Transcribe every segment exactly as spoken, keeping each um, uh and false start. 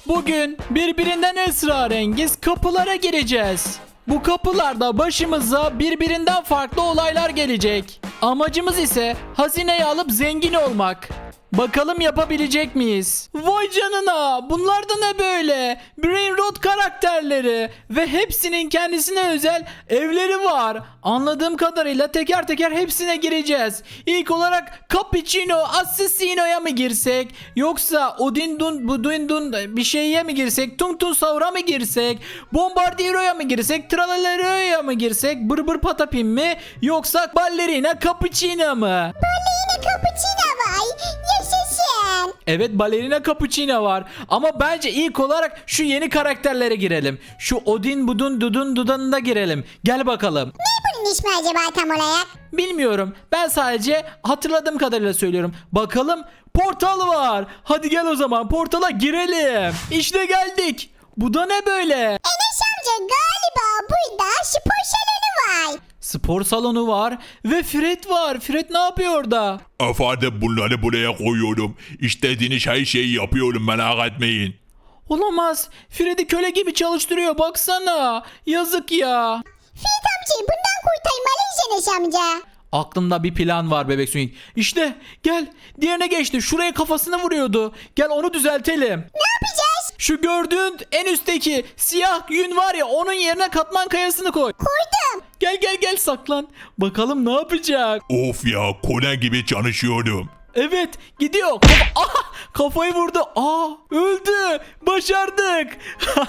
Bugün birbirinden esrarengiz kapılara gireceğiz. Bu kapılarda başımıza birbirinden farklı olaylar gelecek. Amacımız ise hazineyi alıp zengin olmak. Bakalım yapabilecek miyiz? Vay canına, bunlar da ne böyle? Brain Rot karakterleri ve hepsinin kendisine özel evleri var. Anladığım kadarıyla teker teker hepsine gireceğiz. İlk olarak Cappuccino Assassino'ya mı girsek? Yoksa Odin Dun Budin Dun bir şeye mi girsek? Tung Tung Saur'a mı girsek? Bombardiero'ya mı girsek? Tralalerio'ya mı girsek? Bır Bır Patapim mi? Yoksa Ballerina Cappuccino mu? Ballerina Cappuccino var. Yaşasın. Evet, Ballerina Cappuccino var. Ama bence ilk olarak şu yeni karakterlere girelim. Şu Odin Budun Dudun Dudan'da girelim. Gel bakalım. Ne bunun ismi acaba tam olarak? Bilmiyorum. Ben sadece hatırladığım kadarıyla söylüyorum. Bakalım, portal var. Hadi gel o zaman portala girelim. İşte geldik. Bu da ne böyle? Enes amca galiba burada spor salonu var. Spor salonu var ve Fred var. Fred ne yapıyor orada? Efendim bunları buraya koyuyorum. İstediğiniz her şeyi yapıyorum, merak etmeyin. Olamaz. Fred'i köle gibi çalıştırıyor, baksana. Yazık ya. Fiyat amcayı bundan kurtarmalıyız Enes amca. Aklımda bir plan var bebek Swing. İşte gel, diğerine geçti. Şuraya kafasını vuruyordu. Gel onu düzeltelim. Ne yapacağız? Şu gördüğün en üstteki siyah yün var ya, onun yerine katman kayasını koy. Koydum. Gel gel gel, saklan. Bakalım ne yapacak. Of ya, kone gibi çalışıyorum. Evet, gidiyor. Kafa- Aha, kafayı vurdu. Aa, öldü. Başardık.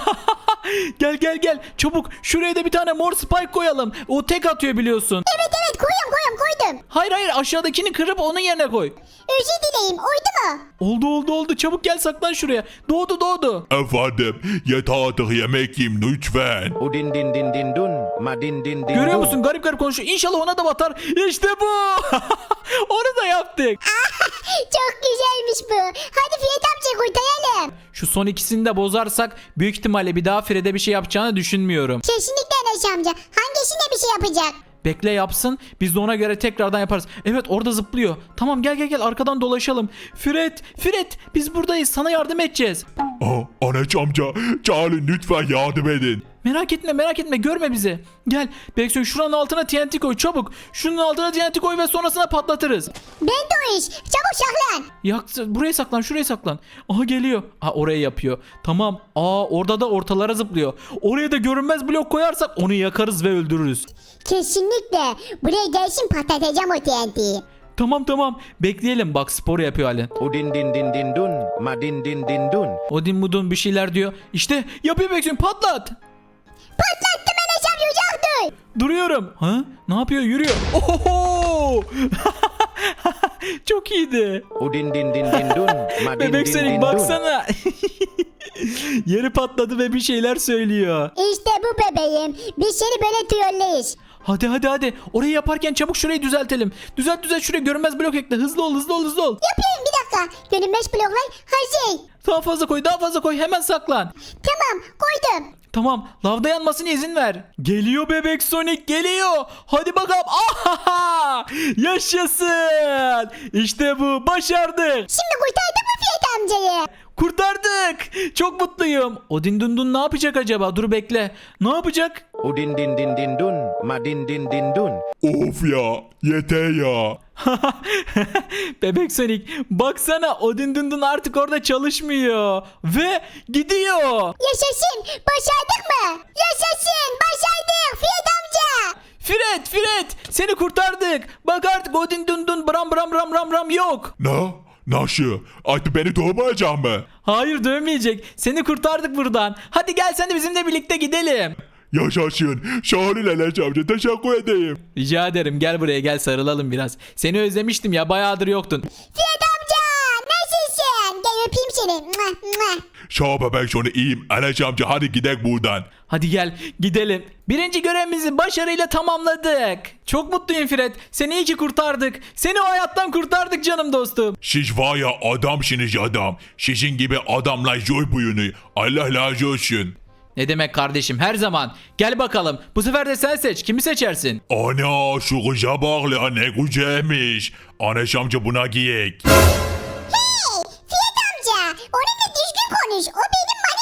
Gel gel gel. Çabuk şuraya da bir tane mor spike koyalım. O tek atıyor biliyorsun. Evet evet koyuyorum koyuyorum koydum. Hayır hayır, aşağıdakini kırıp onun yerine koy. Özür dileyim oydu mu? Oldu oldu oldu. Çabuk gel, saklan şuraya. Doğdu doğdu. Efendim yeter artık, yemek yiyeyim lütfen. Udin din din din dun, ma din din din Görüyor dun. musun? Garip garip konuşuyor. İnşallah ona da batar. İşte bu. Onu da yaptık. Çok güzelmiş bu. Hadi Fiyat amca kurtaralım. Şu son ikisini de bozarsak büyük ihtimalle bir daha Fred'e bir şey yapacağını düşünmüyorum. Kesinlikle Enes amca. Hangisine bir şey yapacak? Bekle yapsın. Biz de ona göre tekrardan yaparız. Evet, orada zıplıyor. Tamam, gel gel gel, arkadan dolaşalım. Fred, Fred, biz buradayız. Sana yardım edeceğiz. Aa, Anaç amca, çağırın lütfen, yardım edin. Merak etme merak etme, görme bizi. Gel Beksoy, şuranın altına T N T koy çabuk. Şunun altına T N T koy ve sonrasına patlatırız. Ben de o iş. Çabuk saklan. Yak, buraya saklan, şuraya saklan. Aha, geliyor. Aa, oraya yapıyor. Tamam. Aa, orada da ortalara zıplıyor. Oraya da görünmez blok koyarsak onu yakarız ve öldürürüz. Kesinlikle. Buraya gelsin patlatacağım o T N T'yi. Tamam tamam, bekleyelim. Bak, spor yapıyor halen. Udin din din din dun, ma din din din dun. Odin Mudun bir şeyler diyor. İşte yapıyor Beksoy, patlat. Patlattım Enes amca, uzak dur. Duruyorum. Ha? Ne yapıyor? Yürüyor. Ohoho! Çok iyiydi. Udin din din din dun, ma din din Bebek din Sonic dun. baksana. Yeri patladı ve bir şeyler söylüyor. İşte bu bebeğim. Biz seni böyle trolleyiz. Hadi hadi hadi. Orayı yaparken çabuk şurayı düzeltelim. Düzelt düzelt, şuraya görünmez blok ekle. Hızlı ol hızlı ol hızlı ol. Yapıyorum bir dakika. Görünmez bloklar hazır. Daha fazla koy, daha fazla koy. Hemen saklan. Tamam koydum. Tamam, lavda yanmasına izin ver. Geliyor bebek Sonic, geliyor. Hadi bakalım. Ahaha! Yaşasın. İşte bu, başardık. Şimdi kurtardın mı Fiyat amcayı? Kurtardık. Çok mutluyum. Odin Dundun ne yapacak acaba? Dur bekle. Ne yapacak? Udin din din din dun, ma din din din dun. Of ya, yeter ya. Bebek Sonic, baksana, Odin Dundun artık orada çalışmıyor. Ve gidiyor. Yaşasın. Başardık mı? Yaşasın. Başardık Fiyat amca. Fred, Fred, seni kurtardık. Bak artık Odin Dundun bram bram bram bram bram yok. Ne? Nasıl? Artık beni doğmayacak mı? Hayır, dövmeyecek. Seni kurtardık buradan. Hadi gel, sen de bizimle birlikte gidelim. Yaşasın. Şahane Anaç amca, teşekkür edeyim. Rica ederim, gel buraya, gel sarılalım biraz. Seni özlemiştim ya, bayağıdır yoktun. Fiyat amca. Nasılsın? Gel öpeyim seni. Mwah, mwah. Şah bebek sonra iyiyim. Anaç amca, hadi gidelim buradan. Hadi gel gidelim. Birinci görevimizi başarıyla tamamladık. Çok mutluyum Fred. Seni iyi ki kurtardık. Seni o hayattan kurtardık canım dostum. Siz var ya, adamsınız adam. Sizin gibi adamlar zor buyunu. Allah razı olsun. Ne demek kardeşim, her zaman. Gel bakalım. Bu sefer de sen seç. Kimi seçersin? Ana, şu kıza bak la, ne güzelmiş. Anaç amca, buna giyek. Hey Fiyat amca. Onunla düzgün konuş. O benim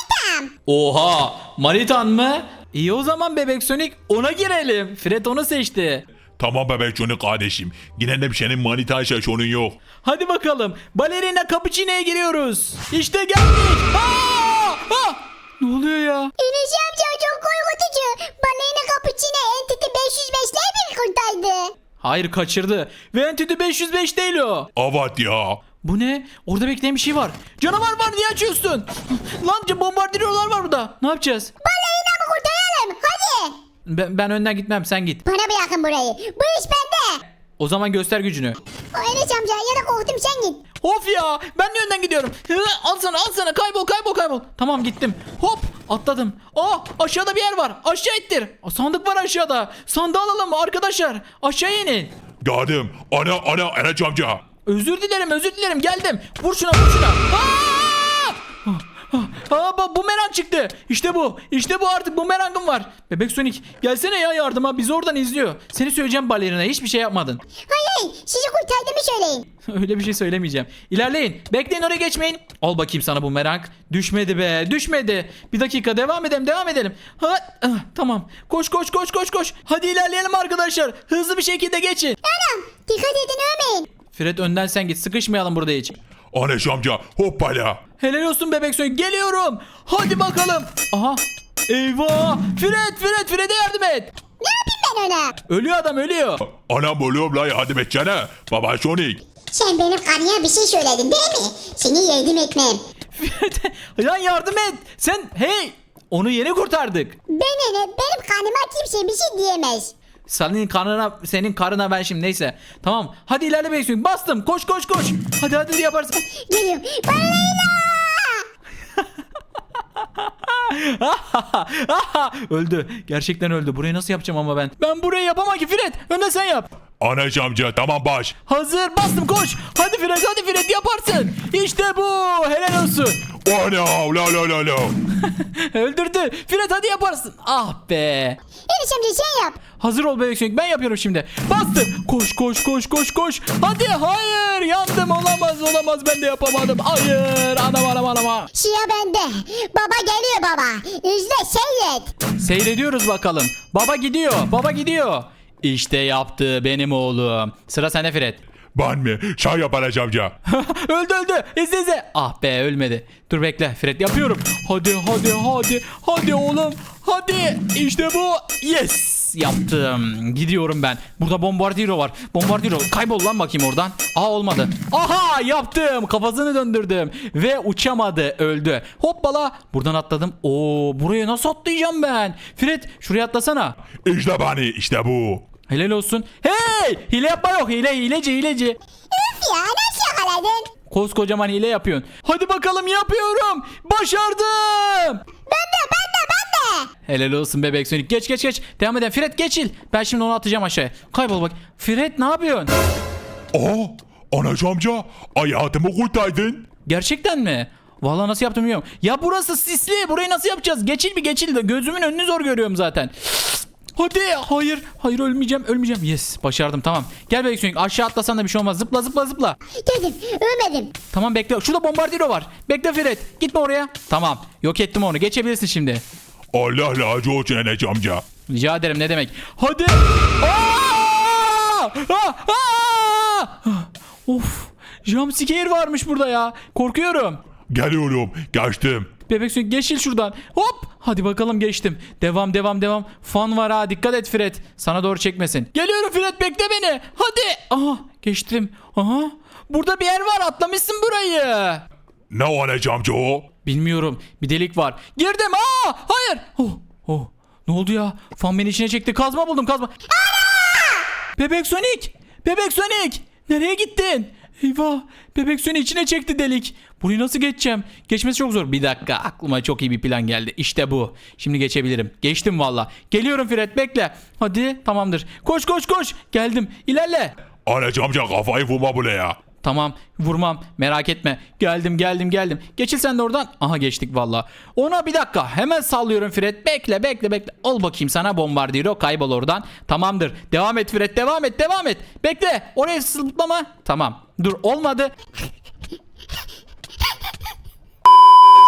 Oha, manitan mı? İyi o zaman Bebek Sonic, ona girelim. Fred onu seçti. Tamam bebek Johnny kardeşim. Yine de senin manita şaşonun yok. Hadi bakalım. Balerina Cappuccino'ya giriyoruz. İşte geldik. Aa! Aa! Ne oluyor ya? Enes amca çok korkutucu. Ballerina Cappuccino Entity beş yüz beşle bir kurtardı. Hayır, kaçırdı. Ve Entity beş yüz beş değil o. Evet ya. Bu ne? Orada bekleyen bir şey var. Canavar var, niye açıyorsun? Lan bombardiyolar var burada. Ne yapacağız? Ballerina mı kurtaralım? Hadi. Ben, ben önden gitmem, sen git. Bana bırakın burayı. Bu iş bende. O zaman göster gücünü. O Enes amca ya da korktum sen git. Of ya, ben de önden gidiyorum. Hı, al sana al sana, kaybol kaybol kaybol. Tamam, gittim. Hop, atladım. Aa, aşağıda bir yer var. Aşağı ittir. Aa, sandık var aşağıda. Sandığı alalım arkadaşlar. Aşağı inin. Geldim. Ana ana Enes amca. Özür dilerim özür dilerim, geldim. Vur şuna vur şuna. Aa! Aa, bak bumerang çıktı. İşte bu. İşte bu, artık bumerangım var. Bebek Sonic gelsene ya yardıma. Bizi oradan izliyor. Seni söyleyeceğim balerina. Hiçbir şey yapmadın. Hayır hayır sizi kurtardığımı söyleyin. Öyle bir şey söylemeyeceğim. İlerleyin. Bekleyin, oraya geçmeyin. Al bakayım sana bumerang. Düşmedi be. Düşmedi. Bir dakika, devam edelim devam edelim. Ha, ah, tamam. Koş koş koş koş koş. Hadi ilerleyelim arkadaşlar. Hızlı bir şekilde geçin. Anam dikkat edin ölmeyin. Fred, önden sen git. Sıkışmayalım burada hiç. Enes amca hoppala. Helal olsun Bebek Sonic. Geliyorum. Hadi bakalım. Aha. Eyvah. Fred Fred Fred'e yardım et. Ne yapayım ben ona? Ölüyor adam, ölüyor. Anam ölüyorum la, hadi etsene. Baba Sonic. Sen benim karıya bir şey söyledin değil mi? Seni yardım etmem. Fred, lan yardım et. Sen hey. Onu yeni kurtardık. Ben ne? Benim karnıma kimse bir şey diyemez. Senin karnına, senin karına ben şimdi, neyse. Tamam. Hadi ilerle Bebek Sonic. Bastım. Koş koş koş. Hadi hadi yaparsın. Geliyorum. Ballerina! Öldü. Gerçekten öldü. Burayı nasıl yapacağım ama ben? Ben burayı yapamam ki Fred. Önde sen yap. Enes amca tamam baş. Hazır, bastım, koş. Hadi Fred, hadi Fred, yaparsın. İşte bu. Helal olsun. Ana la la la la. Öldürdü. Fred, hadi yaparsın. Ah be. Enes amca sen yap. Hazır ol Bebek Sonic, ben yapıyorum şimdi. Bastım. Koş koş koş koş koş. Hadi, hayır, yandım, olamaz olamaz, ben de yapamadım. Hayır, anam anam anam. Sıra bende. Baba geliyor baba. İzle seyret. Seyrediyoruz bakalım. Baba gidiyor, baba gidiyor. İşte yaptı benim oğlum. Sıra sende Fred. Ben mi? Sen yap Enes amca. Öldü öldü. İzle izle. Ah be, ölmedi. Dur bekle Fred, yapıyorum. Hadi hadi hadi. Hadi oğlum. Hadi. İşte bu. Yes. Yaptım. Gidiyorum ben. Burada bombardiro var. Bombardiro. Kaybol lan bakayım oradan. Aa, olmadı. Aha, yaptım. Kafasını döndürdüm. Ve uçamadı. Öldü. Hoppala. Buradan atladım. Oo, buraya nasıl atlayacağım ben? Fred, şuraya atlasana. İşte beni, işte bu. Helal olsun. Hey! Hile yapma yok. Hile, hileci hileci. Üf ya nasıl yakaladın? Koskocaman hile yapıyorsun. Hadi bakalım, yapıyorum. Başardım. Ben de ben de ben de. Helal olsun Bebek Sonic. Geç geç geç. Devam edelim. Fred geçil. Ben şimdi onu atacağım aşağıya. Kaybol bak. Fred, ne yapıyorsun? Aa, Enes amca hayatımı kurtardın. Gerçekten mi? Vallahi nasıl yaptım bilmiyorum. Ya burası sisli. Burayı nasıl yapacağız? Geçil bir geçil de. Gözümün önünü zor görüyorum zaten. Hadi. Hayır. Hayır, ölmeyeceğim. Ölmeyeceğim. Yes. Başardım. Tamam. Gel Bebek Sonic. Aşağı atlasan da bir şey olmaz. Zıpla zıpla zıpla. Geldim ölmedim. Tamam, bekle. Şurada bombardiro var. Bekle Fred. Gitme oraya. Tamam. Yok ettim onu. Geçebilirsin şimdi. Allah razı olsun Enes amca. Rica ederim, ne demek. Hadi. Aa! Aa! Aa! Of. Jumpscare varmış burada ya. Korkuyorum. Geliyorum, geçtim. Bebek Sonic, geçil şuradan. Hop. Hadi bakalım, geçtim. Devam devam devam. Fan var ha. Dikkat et Fred. Sana doğru çekmesin. Geliyorum Fred, bekle beni. Hadi. Aha, geçtim. Aha. Burada bir yer var. Atlamışsın burayı. Ne o Enes amca o? Bilmiyorum. Bir delik var. Girdim. Aa! Hayır. Oh. Oh. Ne oldu ya? Fan beni içine çekti. Kazma buldum, kazma. Bebek Sonic. Bebek Sonic. Nereye gittin? Eyvah. Bebek Sonic içine çekti delik. Burayı nasıl geçeceğim? Geçmesi çok zor. Bir dakika. Aklıma çok iyi bir plan geldi. İşte bu. Şimdi geçebilirim. Geçtim valla. Geliyorum Fred, bekle. Hadi, tamamdır. Koş koş koş. Geldim. İlerle. Enes amca kafayı vurma buraya. Tamam, vurmam, merak etme. Geldim geldim geldim. Geçil sen de oradan. Aha, geçtik valla. Ona bir dakika, hemen sallıyorum Fred. Bekle bekle bekle. Al bakayım sana bombardiro, kaybol oradan. Tamamdır. Devam et Fred, devam et devam et. Bekle, oraya zıplama. Tamam. Dur, olmadı.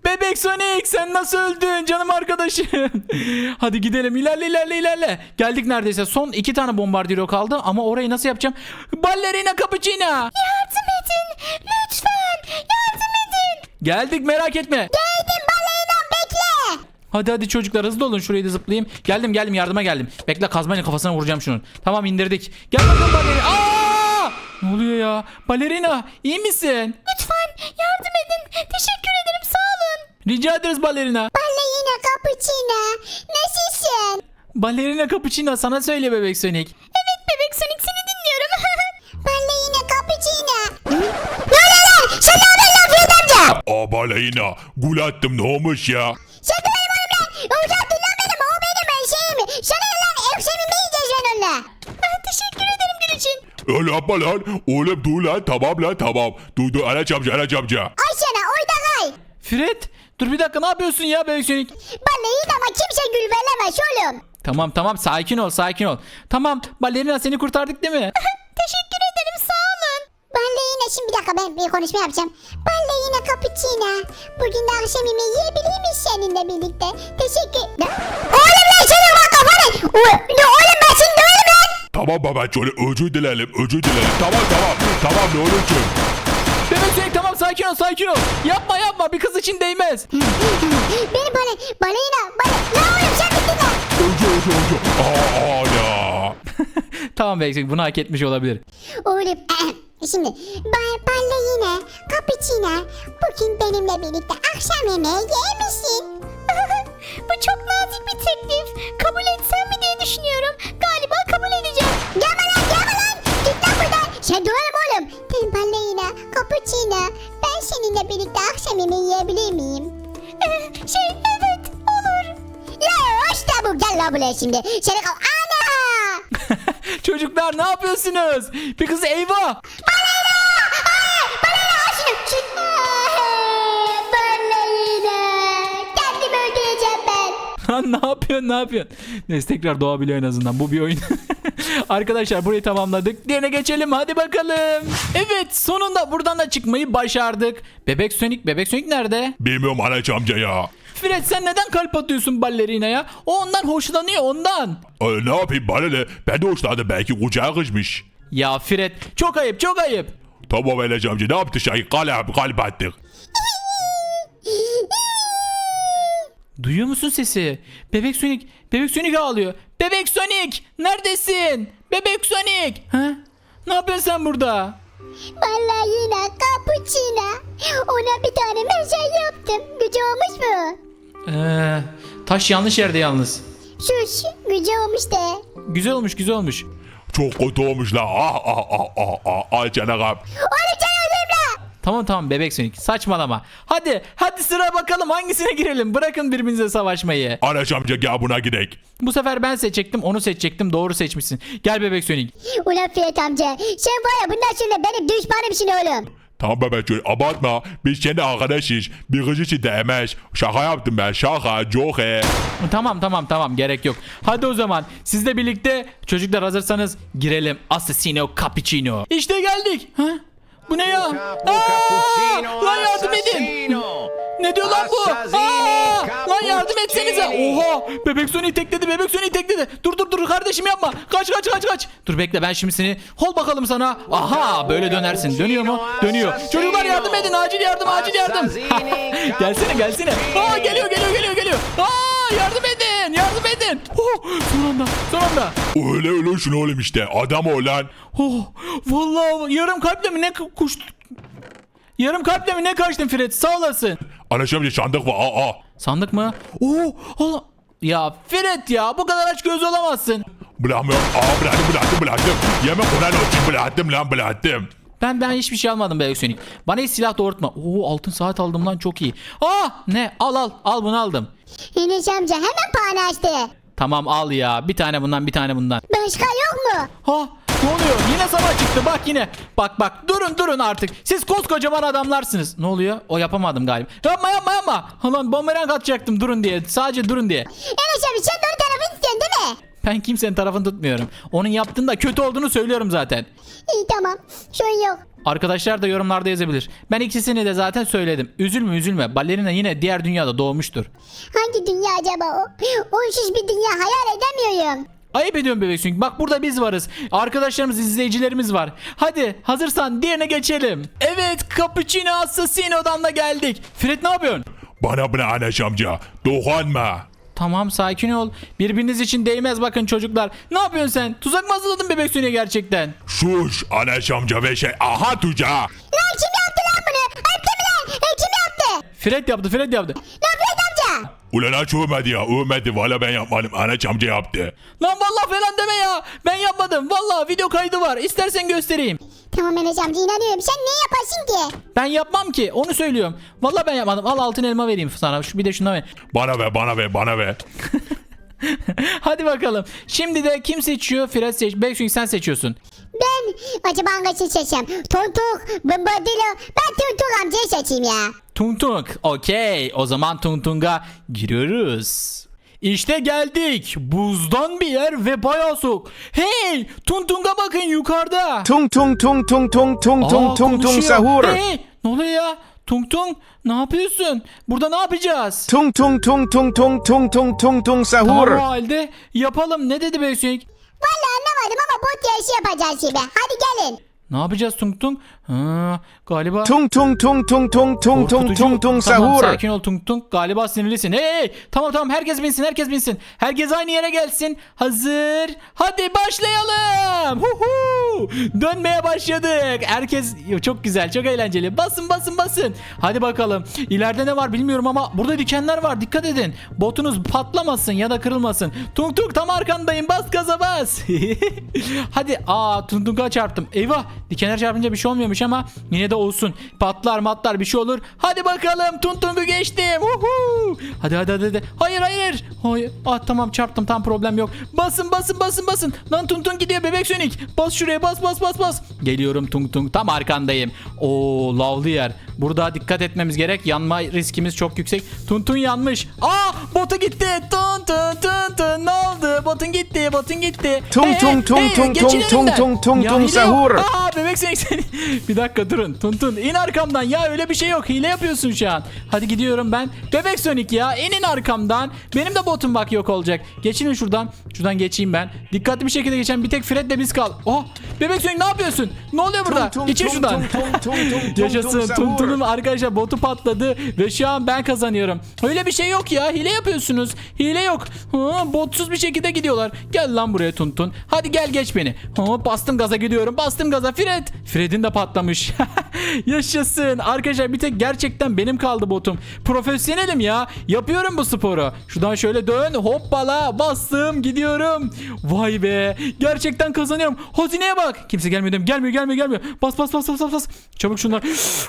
Bebek Sonic sen nasıl öldün canım arkadaşım? Hadi gidelim ilerle ilerle ilerle. Geldik neredeyse. Son iki tane bombardiro kaldı ama orayı nasıl yapacağım? Ballerina Cappuccino. Yardım edin. Lütfen. Yardım edin. Geldik merak etme. Geldim balayına bekle. Hadi hadi çocuklar hızlı olun şurayı da zıplayayım. Geldim geldim yardıma geldim. Bekle kazmayla kafasına vuracağım şunun. Tamam indirdik. Gel bakalım balerina. Aa! Ne oluyor ya? Balerina iyi misin? Lütfen yardım edin. Teşekkür ederim sağ olun. Rica ederiz balerina. Balayına Cappuccino. Nasılsın? Balerina Cappuccino sana söyle bebek Sonic. Evet bebek Sonic seni dinliyorum. Balayına Cappuccino. Ne oluyor lan? Sen ne yapıyorsun lan Fiyat amca? Aa balayına. Gul attım ne olmuş ya? Sen de benim oğlum lan. Uzattın lan benim. O benim ben şeyim. Sana ne lan? Ekşemi mi yiyeceğiz ben onunla? Teşekkür ederim gün için. Öyle yapma lan. Oğlum dur lan tamam lan tamam. Dur dur Anaç amca Anaç amca. Ay sana oyda kay. Fred dur bir dakika ne yapıyorsun ya bebek Sonic? Balayın ama kimse gül veremez oğlum. Tamam tamam sakin ol sakin ol. Tamam balerina seni kurtardık değil mi? Teşekkür ederim sağ olun. Balayına şimdi bir dakika ben bir konuşma yapacağım. Balayına Cappuccino. Bugün de akşam yemeği yiyebilir miyiz seninle birlikte? Teşekkür... Ne? Oğlum lan senin bak kafanı. O- Ne oğlum ben seni döverim lan. Tamam baba şöyle özür dilerim özür dilerim. Tamam tamam tamam ne olursun. Bebek Sonic tamam sakin ol sakin ol. Yapma yapma bir kız için değmez. Beni bana balayına bana. Ne oğlum sen bittin lan. Özür özür özür. Aa, aa ya. Tamam bebek Sonic bunu hak etmiş olabilir. Oğlum şimdi ba- balayına Cappuccino. Bugün benimle birlikte akşam yemeği yer misin? Bu çok nazik bir teklif. Kabul etsem mi diye düşünüyorum. Galiba kabul edeceğim. Gelme lan gelme lan. Git lan buradan. Sen döverim oğlum. Ben balayına Cappuccino. Ben seninle birlikte akşam yemeği yiyebilir miyim? şey evet olur. Ya işte bu gel lan buraya şimdi. Seni kav... Ana! Çocuklar ne yapıyorsunuz? Bir kız eyvah. Kendimi öldüreceğim ben. Lan ne yapıyorsun ne yapıyorsun? Neyse tekrar doğabiliyor en azından bu bir oyun. Arkadaşlar burayı tamamladık. Diğerine geçelim hadi bakalım. Evet sonunda buradan da çıkmayı başardık. Bebek Sonic Bebek Sonic nerede? Bilmiyorum Anaç amca ya. Fred sen neden kalp atıyorsun ballerinaya? O ondan hoşlanıyor ondan. Ee, ne yapayım bana ne? Ben de hoşlandım belki kucağı kızmış. Ya Fred çok ayıp çok ayıp. Tamam Anaç amca ne yaptı şey? Kalp kalp attık. Duyuyor musun sesi? Bebek Sonic, Bebek Sonic ağlıyor. Bebek Sonic, neredesin? Bebek Sonic. Ha? Ne yapıyorsun sen burada? Vallahi yine Cappuccino. Ona bir tane mesaj yaptım. Gücü olmuş mu? Ee, taş yanlış yerde yalnız. Sus. Gücü olmuş de. Güzel olmuş, güzel olmuş. Çok kötü olmuş la. Ah ah ah ah ah. Al canım. Onu sen öldürüm la. Tamam tamam Bebek Sonic, saçmalama. Hadi, hadi sıra bakalım hangisine girelim. Bırakın birbirinize savaşmayı. Anaç amca gel buna gidelim. Bu sefer ben seçecektim, onu seçecektim. Doğru seçmişsin. Gel Bebek Sonic. Ulan Fiyat amca. Sen var ya bundan sonra benim düşmanımsın oğlum. Tamam bebek abartma. Biz kendi arkadaşız. Bir kız için değmez. Şaka yaptım ben. Şaka. Joke. Tamam tamam tamam gerek yok. Hadi o zaman sizle birlikte çocuklar hazırsanız girelim. Assassino Cappuccino. İşte geldik. Ha? Bu ne ya? Aa! Lan yardım edin. Ne diyor lan bu? Aa! Lan yardım etsenize. Oha! Bebek Sonic tekledi. Bebek Sonic tekledi. Dur dur dur kardeşim yapma. Kaç kaç kaç kaç. Dur bekle ben şimdi seni hol bakalım sana. Aha böyle dönersin. Dönüyor mu? Dönüyor. Çocuklar yardım edin. Acil yardım acil yardım. Gelsene gelsene. Aa geliyor geliyor geliyor geliyor. Aa yardım edin. Yardım edin. Oh, son anda. Son anda. Öyle öyle şunu oğlum işte. Adam o lan. Oh, vallahi yarım kalple mi ne kuş... Yarım kalple mi ne kaçtın Fred? Sağ olasın. Anaç amca sandık var. Aa aa. Sandık mı? Oo, Allah. Ya Fred ya bu kadar aç göz olamazsın. Bırakmıyorum. Aa bıraktım bıraktım bıraktım. Yemek olan olsun bıraktım lan bıraktım. Ben ben hiçbir şey almadım Bebek Sonic. Bana hiç silah doğrultma. Oo altın saat aldım lan çok iyi. Aa ne? Al al al bunu aldım. Enes amca hemen pahane açtı. Tamam al ya. Bir tane bundan bir tane bundan. Başka yok mu? Ha ne oluyor? Yine savaş çıktı bak yine. Bak bak durun durun artık. Siz koskocaman adamlarsınız. Ne oluyor? O yapamadım galiba. Yapma yapma yapma. Lan bumerang atacaktım durun diye. Sadece durun diye. Enes abi sen de onun tarafını istiyorsun değil mi? Ben kimsenin tarafını tutmuyorum. Onun yaptığında kötü olduğunu söylüyorum zaten. İyi tamam. Sorun yok. Arkadaşlar da yorumlarda yazabilir. Ben ikisini de zaten söyledim. Üzülme üzülme. Balerina yine diğer dünyada doğmuştur. Hangi dünya acaba o? Onsuz bir dünya hayal edemiyorum. Ayıp ediyorum bebek Sonic. Bak burada biz varız. Arkadaşlarımız, izleyicilerimiz var. Hadi hazırsan diğerine geçelim. Evet, Cappuccino Assassino'dan da geldik. Fred ne yapıyorsun? Bana bana Anaş amca. Dokunma. Tamam, sakin ol. Birbiriniz için değmez bakın çocuklar. Ne yapıyorsun sen? Tuzak mı hazırladın bebek Sonic'e gerçekten? Sus Anaş amca ve şey. Aha tuca. Lan kim yaptı lan bunu? Öptü mü lan? E, kim yaptı? Fred yaptı, Fred yaptı. Lan Fred amca. Ulan aç övmedi ya. Övmedi. Valla ben yapmadım. Anaş amca yaptı. Lan vallahi falan deme ya. Ben yapmadım. Vallahi video kaydı var. İstersen göstereyim. Tamam Enes amca inanıyorum. Sen ne yaparsın ki? Ben yapmam ki. Onu söylüyorum. Vallahi ben yapmadım. Al altın elma vereyim sana. Şu bir de şuna ver. Bana ver bana ver bana ver. Hadi bakalım. Şimdi de kim seçiyor? Fred seç. Bebek Sonic sen seçiyorsun. Ben acaba hangisini seçeceğim? Tontuk, Bombadillo. Ben Tontuk amcayı seçeyim ya. Tung Tung. Okey. O zaman Tung Tung'a giriyoruz. İşte geldik. Buzdan bir yer ve bayağı soğuk. Hey! Tung Tung'a bakın yukarıda. Tung tung tung tung tung tung Aa, tung tung tung konuşuyor. sahur. Hey! Ne oluyor ya? Tung Tung ne yapıyorsun? Burada ne yapacağız? Tung tung tung tung tung tung tung tung tung Tamam sahur. o halde yapalım. Ne dedi Bebek Sonic? Vallahi anlamadım ama bot yarışı yapacağız şimdi. Hadi gelin. Ne yapacağız Tung Tung? Ha, galiba... Tung tung tung tung tung tung tung Korkutucu. tung tung Tamam, sahur. sakin ol Tung Tung. Galiba sinirlisin. Hey, hey, tamam tamam herkes binsin herkes binsin. Herkes aynı yere gelsin. Hazır. Hadi başlayalım. Huhu. Dönmeye başladık. Herkes çok güzel çok eğlenceli. Basın basın basın. Hadi bakalım. İleride ne var bilmiyorum ama burada dikenler var. Dikkat edin. Botunuz patlamasın ya da kırılmasın. Tung Tung tam arkandayım. Bas gaza bas. Hadi. Aa Tung Tung'a çarptım. Eyvah. Dikenler çarpınca bir şey olmuyormuş ama yine de olsun. Patlar matlar bir şey olur. Hadi bakalım Tung Tung'u geçtim. Uhu. Hadi hadi hadi. hadi. Hayır hayır. Hayır. Ah tamam çarptım tam problem yok. Basın basın basın basın. Lan Tung Tung gidiyor bebek Sonic. Bas şuraya bas bas bas bas. Geliyorum Tung Tung tam arkandayım. Oo lavlı yer. Burada dikkat etmemiz gerek. Yanma riskimiz çok yüksek. Tung Tung yanmış. Aa botu gitti. Tung Tung Tung Tung. Ne oldu? Botun gitti. Botun gitti. Tung Hey, tung hey, tung hey, tung geçin tung tung önümden. tung tung Ya tung hile yok. sahur. Aa bebek Sonic seni. Bir dakika durun. Tuntun in arkamdan ya öyle bir şey yok. Hile yapıyorsun şu an. Hadi gidiyorum ben. Bebek Sonic ya inin arkamdan. Benim de botum bak yok olacak. Geçinin şuradan. Şuradan geçeyim ben. Dikkatli bir şekilde geçen bir tek Fred de biz kal. Oh bebek Sonic ne yapıyorsun? Ne oluyor burada? Tung tung Geçin tung şuradan. tung tung tung tung tung Yaşasın. sahur. Tuntun'un arkadaşlar botu patladı ve şu an ben kazanıyorum. Öyle bir şey yok ya. Hile yapıyorsunuz. Hile yok. Ha, botsuz bir şekilde gidiyorlar. Gel lan buraya Tuntun. Hadi gel geç beni. Ha, bastım gaza gidiyorum. Bastım gaza. Fred. Fred'in de patlamış. Yaşasın. Arkadaşlar bir tek gerçekten benim kaldı botum. Profesyonelim ya. Yapıyorum bu sporu. Şuradan şöyle dön. Hoppala. Bastım. Gidiyorum. Vay be. Gerçekten kazanıyorum. Hazineye bak. Kimse gelmiyor değil mi? Gelmiyor gelmiyor gelmiyor. Bas bas bas bas bas. bas. Çabuk şunlar.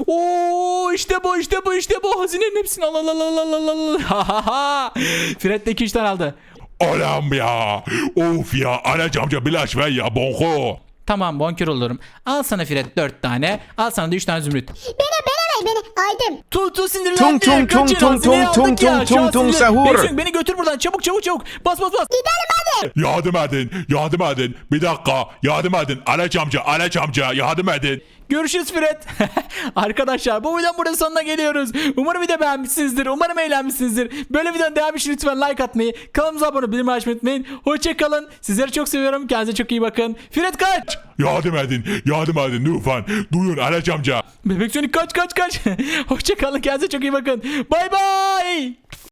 Oo işte bu işte bu işte bu. Hazinenin hepsini al al al al al al al. Ha ha ha. Fred de iki üç tane aldı. Anam ya. Of ya. Anaş amca bilaş ver ya. Bonko. Tamam bonkör olurum. Al sana Fred dört tane. Al sana da üç tane zümrüt. Beni beni ver beni. Aldım. Tu tu sinirlendi. Tung tung tung Kaçın, tung hazineyi tung aldık tung ya. tung Şu an tung tung sinirlen- sahur. Bebek, beni götür buradan çabuk çabuk çabuk. Bas bas bas. Gidelim hadi. Yardım edin. Yardım edin. Bir dakika. Yardım edin. Anaş amca. Anaş amca. Yardım edin. Görüşürüz Fred. Arkadaşlar bu videonun burada sonuna geliyoruz. Umarım video beğenmişsinizdir. Umarım eğlenmişsinizdir. Böyle videonun devamı için lütfen like atmayı, kanalımıza abone olmayı, bildirim açmayı unutmayın. Hoşçakalın. Sizleri çok seviyorum. Kendinize çok iyi bakın. Fred kaç. Yardım edin. Yardım edin lütfen. Duyun Anaş amca. Bebek Sonic kaç kaç kaç. Hoşçakalın. Kendinize çok iyi bakın. Bay bay.